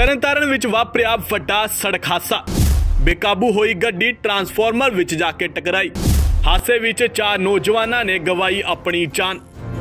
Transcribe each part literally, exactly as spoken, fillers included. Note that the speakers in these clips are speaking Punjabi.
ਤਰਨਤਾਰਨ ਵਿੱਚ ਵਾਪਰਿਆ ਵੱਡਾ ਸੜਕ ਹਾਦਸਾ। ਬੇਕਾਬੂ ਹੋਈ ਗੱਡੀ ਟਰਾਂਸਫਾਰਮਰ ਵਿੱਚ ਜਾ ਕੇ ਟਕਰਾਈ। ਹਾਦਸੇ ਵਿੱਚ ਚਾਰ ਨੌਜਵਾਨਾਂ ਨੇ ਗਵਾਈ ਆਪਣੀ ਜਾਨ।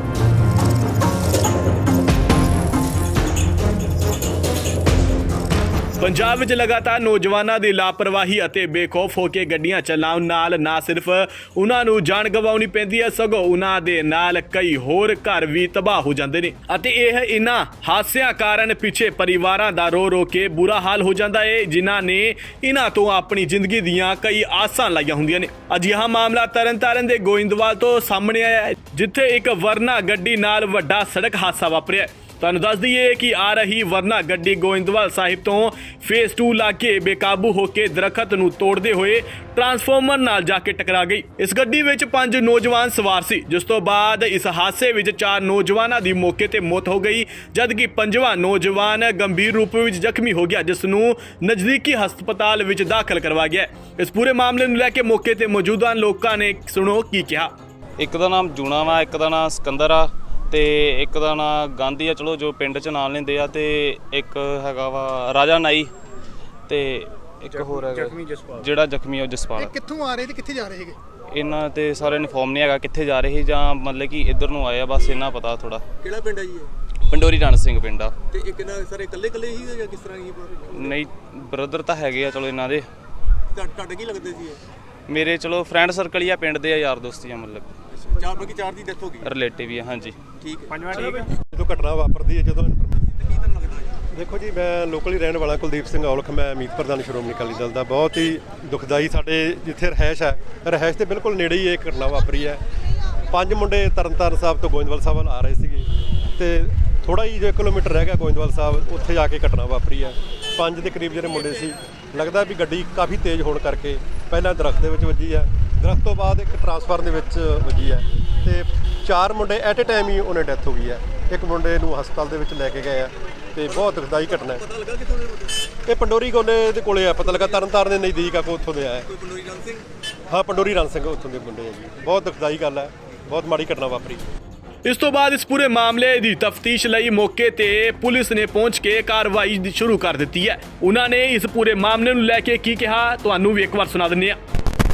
ਪੰਜਾਬ ਵਿੱਚ ਲਗਾਤਾਰ ਨੌਜਵਾਨਾਂ ਦੀ ਲਾਪਰਵਾਹੀ ਅਤੇ ਬੇਖੌਫ ਹੋ ਕੇ ਗੱਡੀਆਂ ਚਲਾਉਣ ਨਾਲ ਨਾ ਸਿਰਫ ਉਹਨਾਂ ਨੂੰ ਜਾਨ ਗਵਾਉਣੀ ਪੈਂਦੀ ਹੈ, ਸਗੋਂ ਉਹਨਾਂ ਦੇ ਨਾਲ ਕਈ ਹੋਰ ਘਰ ਵੀ ਤਬਾਹ ਹੋ ਜਾਂਦੇ ਨੇ ਅਤੇ ਇਹ ਇਹਨਾਂ ਹਾਦਸਿਆਂ ਕਾਰਨ ਪਿੱਛੇ ਪਰਿਵਾਰਾਂ ਦਾ ਰੋ ਰੋ ਕੇ ਬੁਰਾ ਹਾਲ ਹੋ ਜਾਂਦਾ ਹੈ, ਜਿਨ੍ਹਾਂ ਨੇ ਇਹਨਾਂ ਤੋਂ ਆਪਣੀ ਜ਼ਿੰਦਗੀ ਦੀਆਂ ਕਈ ਆਸਾਂ ਲਾਈਆਂ ਹੁੰਦੀਆਂ ਨੇ। ਅਜਿਹਾ ਮਾਮਲਾ ਤਰਨਤਾਰਨ ਦੇ ਗੋਇੰਦਵਾਲ ਤੋਂ ਸਾਹਮਣੇ ਆਇਆ ਹੈ, ਜਿੱਥੇ ਇੱਕ ਵਰਨਾ ਗੱਡੀ ਨਾਲ ਵੱਡਾ ਸੜਕ ਹਾਦਸਾ ਵਾਪਰਿਆ। ਤੁਹਾਨੂੰ ਦੱਸ ਦਈਏ ਕਿ ਆ ਰਹੀ ਵਰਨਾ ਗੱਡੀ ਗੋਇੰਦਵਾਲ ਸਾਹਿਬ ਤੋਂ ਫੇਸ ਟੂ ਲਾਗੇ ਬੇਕਾਬੂ ਹੋ ਕੇ ਦਰਖਤ ਨੂੰ ਤੋੜਦੇ ਹੋਏ ਟਰਾਂਸਫਾਰਮਰ ਨਾਲ ਜਾ ਕੇ ਟਕਰਾ ਗਈ। ਇਸ ਗੱਡੀ ਵਿੱਚ ਪੰਜ ਨੌਜਵਾਨ ਸਵਾਰ ਸੀ, ਜਿਸ ਤੋਂ ਬਾਅਦ ਇਸ ਹਾਦਸੇ ਵਿੱਚ ਚਾਰ ਨੌਜਵਾਨਾਂ ਦੀ ਮੌਕੇ ਤੇ ਮੌਤ ਹੋ ਗਈ, ਜਦਕਿ ਪੰਜਵਾਂ ਨੌਜਵਾਨ ਗੰਭੀਰ ਰੂਪ ਵਿੱਚ ਜ਼ਖਮੀ ਹੋ ਗਿਆ, ਜਿਸ ਨੂੰ ਨਜ਼ਦੀਕੀ ਹਸਪਤਾਲ ਵਿੱਚ ਦਾਖਲ ਕਰਵਾਇਆ ਗਿਆ। ਇਸ ਪੂਰੇ ਮਾਮਲੇ ਨੂੰ ਲੈ ਕੇ ਮੌਕੇ ਤੇ ਮੌਜੂਦਾ ਲੋਕਾਂ ਨੇ ਸੁਣੋ ਕੀ ਕਿਹਾ। ਇੱਕ ਦਾ ਨਾਮ ਜੂਣਾ ਵਾ, ਇੱਕ ਦਾ ਨਾਮ ਸਿਕੰਦਰ ਆ ਤੇ ਇੱਕ ਦਾ ਨਾਂ ਗਾਂਧੀ ਆ, ਚਲੋ ਜੋ ਪਿੰਡ 'ਚ ਨਾਂ ਲੈਂਦੇ ਆ, ਤੇ ਇੱਕ ਹੈਗਾ ਵਾ ਰਾਜਾ ਨਾਈ ਤੇ ਇੱਕ ਹੋਰ ਹੈਗਾ ਜਿਹੜਾ ਜ਼ਖਮੀ ਆ ਜਸਪਾਲ। ਇਹ ਕਿੱਥੋਂ ਆ ਰਹੇ ਤੇ ਕਿੱਥੇ ਜਾ ਰਹੇ ਹੈਗੇ? ਇਹਨਾਂ ਤੇ ਸਾਰੇ ਇਨਫੋਰਮ ਨਹੀਂ ਹੈਗਾ ਕਿੱਥੇ ਜਾ ਰਹੇ ਜਾਂ ਮਤਲਬ ਕਿ ਇੱਧਰ ਨੂੰ ਆਏ ਆ, ਬਸ ਇਹਨਾਂ ਪਤਾ ਥੋੜਾ। ਕਿਹੜਾ ਪਿੰਡ ਹੈ ਜੀ ਇਹ? ਪੰਡੋਰੀ ਰਣ ਸਿੰਘ ਪਿੰਡ ਆ। ਤੇ ਇੱਕ ਨਾ ਸਾਰੇ ਇਕੱਲੇ ਇਕੱਲੇ ਹੀ ਜਾਂ ਕਿਸ ਤਰ੍ਹਾਂ ਹੀ? ਨਹੀਂ ਬ੍ਰਦਰ ਤਾਂ ਹੈਗੇ ਆ ਚਲੋ ਇਹਨਾਂ ਦੇ। ਤੁਹਾਡੇ ਕੀ ਲੱਗਦੇ ਸੀ ਇਹ? ਮੇਰੇ ਚਲੋ ਫਰੈਂਡ ਸਰਕਲ ਹੀ ਆ, ਪਿੰਡ ਦੇ ਆ, ਯਾਰ ਦੋਸਤੀ ਆ, ਮਤਲਬ ਚਾਰ ਬਾਕੀ ਚਾਰ ਦੀ ਡੈਥ ਹੋ ਗਈ, ਰਿਲੇਟਿਵ ਹੀ ਆ। ਹਾਂਜੀ ਠੀਕ ਹੈ। ਪੰਜਵਾਂ ਠੀਕ ਹੈ। ਜਦੋਂ ਘਟਨਾ ਵਾਪਰਦੀ ਹੈ, ਜਦੋਂ ਕੀ ਤੁਹਾਨੂੰ ਲੱਗਦਾ ਹੈ? ਦੇਖੋ ਜੀ, ਮੈਂ ਲੋਕਲ ਹੀ ਰਹਿਣ ਵਾਲਾ ਕੁਲਦੀਪ ਸਿੰਘ ਔਲਖ, ਮੈਂ ਮੀਤ ਪ੍ਰਧਾਨ ਸ਼੍ਰੋਮਣੀ ਅਕਾਲੀ ਦਲ ਦਾ। ਬਹੁਤ ਹੀ ਦੁਖਦਾਈ, ਸਾਡੇ ਜਿੱਥੇ ਰਹਿائش ਹੈ, ਰਹਿائش ਦੇ ਬਿਲਕੁਲ ਨੇੜੇ ਹੀ ਇਹ ਘਟਨਾ ਵਾਪਰੀ ਹੈ। ਪੰਜ ਮੁੰਡੇ ਤਰਨਤਾਰਨ ਸਾਹਿਬ ਤੋਂ ਗੋਇੰਦਵਾਲ ਸਾਹਿਬ ਵੱਲ ਆ ਰਹੇ ਸੀਗੇ ਤੇ ਥੋੜਾ ਹੀ ਜੋ ਇੱਕ ਕਿਲੋਮੀਟਰ ਰਹਿ ਗਿਆ ਗੋਇੰਦਵਾਲ ਸਾਹਿਬ, ਉੱਥੇ ਜਾ ਕੇ ਘਟਨਾ ਵਾਪਰੀ ਹੈ। ਪੰਜ ਦੇ ਕਰੀਬ ਜਿਹੜੇ ਮੁੰਡੇ ਸੀ, ਲੱਗਦਾ ਵੀ ਗੱਡੀ ਕਾਫੀ ਤੇਜ਼ ਹੋਣ ਕਰਕੇ ਪਹਿਲਾਂ ਦਰਖਤ ਦੇ ਵਿੱਚ ਵੱਜੀ ਹੈ, ਦਰਖਤ ਤੋਂ ਬਾਅਦ ਇੱਕ ਟਰਾਂਸਫਾਰਮਰ ਦੇ ਵਿੱਚ ਵੱਜੀ ਹੈ ਤੇ ਚਾਰ ਮੁੰਡੇ ਐਟ ਏ ਟਾਈਮ ਹੀ ਉਹਨੇ ਡੈਥ ਹੋ ਗਈ ਹੈ। ਇੱਕ ਮੁੰਡੇ ਨੂੰ ਹਸਪਤਾਲ ਦੇ ਵਿੱਚ ਲੈ ਕੇ ਗਏ ਆ ਤੇ ਬਹੁਤ ਦੁਖਦਾਈ ਘਟਨਾ ਹੈ। ਪਤਾ ਲੱਗਾ ਕਿੱਥੋਂ ਦੇ ਮੁੰਡੇ? ਇਹ ਪੰਡੋਰੀ ਗੋਲੇ ਦੇ ਕੋਲੇ ਆ, ਪਤਾ ਲੱਗਾ ਤਰਨਤਾਰਨ ਦੇ ਨਜ਼ਦੀਕ ਆ, ਕੋ ਉੱਥੋਂ ਦੇ ਆਇਆ। ਕੋਈ ਪੰਡੋਰੀ ਰਣ ਸਿੰਘ? ਹਾਂ, ਪੰਡੋਰੀ ਰਣ ਸਿੰਘ ਉੱਥੋਂ ਦੇ ਮੁੰਡੇ ਆ ਜੀ। ਬਹੁਤ ਦੁਖਦਾਈ ਗੱਲ ਹੈ, ਬਹੁਤ ਮਾੜੀ ਘਟਨਾ ਵਾਪਰੀ। ਇਸ ਤੋਂ ਬਾਅਦ ਇਸ ਪੂਰੇ ਮਾਮਲੇ ਦੀ ਤਫਤੀਸ਼ ਲਈ ਮੌਕੇ ਤੇ ਪੁਲਿਸ ਨੇ ਪਹੁੰਚ ਕੇ ਕਾਰਵਾਈ ਸ਼ੁਰੂ ਕਰ ਦਿੱਤੀ ਹੈ। ਉਹਨਾਂ ਨੇ ਇਸ ਪੂਰੇ ਮਾਮਲੇ ਨੂੰ ਲੈ ਕੇ ਕੀ ਕਿਹਾ, ਤੁਹਾਨੂੰ ਵੀ ਇੱਕ ਵਾਰ ਸੁਣਾ ਦਿੰਦੇ ਹਾਂ।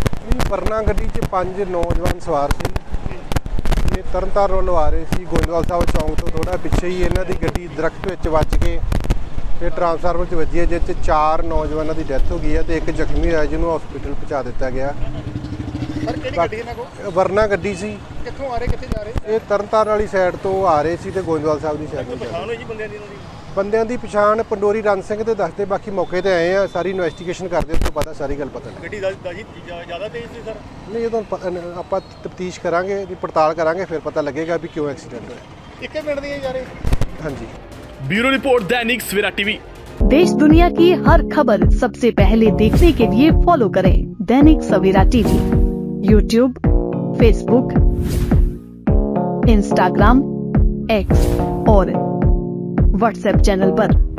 ਵਰਨਾ ਗੱਡੀ 'ਚ ਪੰਜ ਨੌਜਵਾਨ ਸਵਾਰ ਸੀ। ਇਹ ਤਰਨਤਾਰਨ ਵੱਲੋਂ ਆ ਰਹੇ ਸੀ, ਗੋਇੰਦਵਾਲ ਸਾਹਿਬ ਚੌਂਕ ਤੋਂ ਥੋੜਾ ਪਿੱਛੇ ਹੀ ਇਹਨਾਂ ਦੀ ਗੱਡੀ ਦਰਖਤ ਵਿੱਚ ਵੱਜ ਕੇ ਤੇ ਟਰਾਂਸਫਾਰਮਰ 'ਚ ਵੱਜੀ ਹੈ, ਜਿਸ 'ਚ ਚਾਰ ਨੌਜਵਾਨਾਂ ਦੀ ਡੈਥ ਹੋ ਗਈ ਹੈ ਤੇ ਇੱਕ ਜ਼ਖਮੀ ਹੋਇਆ, ਜਿਹਨੂੰ ਹਸਪੀਟਲ ਪਹੁੰਚਾ ਦਿੱਤਾ ਗਿਆ। ਸਰ ਕਿਹੜੀ ਗੱਡੀ ਇਹਨਾਂ ਕੋਲ? ਵਰਨਾ ਗੱਡੀ ਸੀ। ਕਿੱਥੋਂ ਆ ਰਹੇ ਕਿੱਥੇ ਜਾ ਰਹੇ? ਇਹ ਤਰਨਤਾਰਨ ਵਾਲੀ ਸਾਈਡ ਤੋਂ ਆ ਰਹੇ ਸੀ ਤੇ ਗੋਇੰਦਵਾਲ ਸਾਹਿਬ ਦੀ ਸਾਈਡ ਨੂੰ ਜਾ ਰਹੇ। ਪਛਾਣ ਹੋਈ ਜੀ ਬੰਦਿਆਂ ਦੀ? ਇਹਨਾਂ ਦੀ ਬੰਦਿਆਂ ਦੀ ਪਛਾਣ ਪੰਡੋਰੀ ਰਣ ਸਿੰਘ ਤੇ ਦੱਸਦੇ, ਬਾਕੀ ਮੌਕੇ ਤੇ ਆਏ ਆ, ਸਾਰੀ ਇਨਵੈਸਟੀਗੇਸ਼ਨ ਕਰਦੇ, ਉਸ ਤੋਂ ਪਤਾ ਸਾਰੀ ਗੱਲ ਪਤਾ ਲੱਗੇ। ਗੱਡੀ ਦਾ ਜੀ ਜ਼ਿਆਦਾ ਤੇਜ਼ ਸੀ ਸਰ? ਨਹੀਂ, ਜਦੋਂ ਆਪਾਂ ਤਫਤੀਸ਼ ਕਰਾਂਗੇ, ਦੀ ਪੜਤਾਲ ਕਰਾਂਗੇ, ਫਿਰ ਪਤਾ ਲੱਗੇਗਾ ਵੀ ਕਿਉਂ ਐਕਸੀਡੈਂਟ ਹੋਇਆ। ਇੱਕੇ ਪਿੰਡ ਦੀਆਂ ਜਾ ਰਹੇ? ਹਾਂਜੀ। ब्यूरो रिपोर्ट दैनिक सवेरा टीवी। देश दुनिया की हर खबर सबसे पहले देखने के लिए फॉलो करें Dainik Savera TV, YouTube, Facebook, Instagram, X और व्हाट्सएप चैनल पर।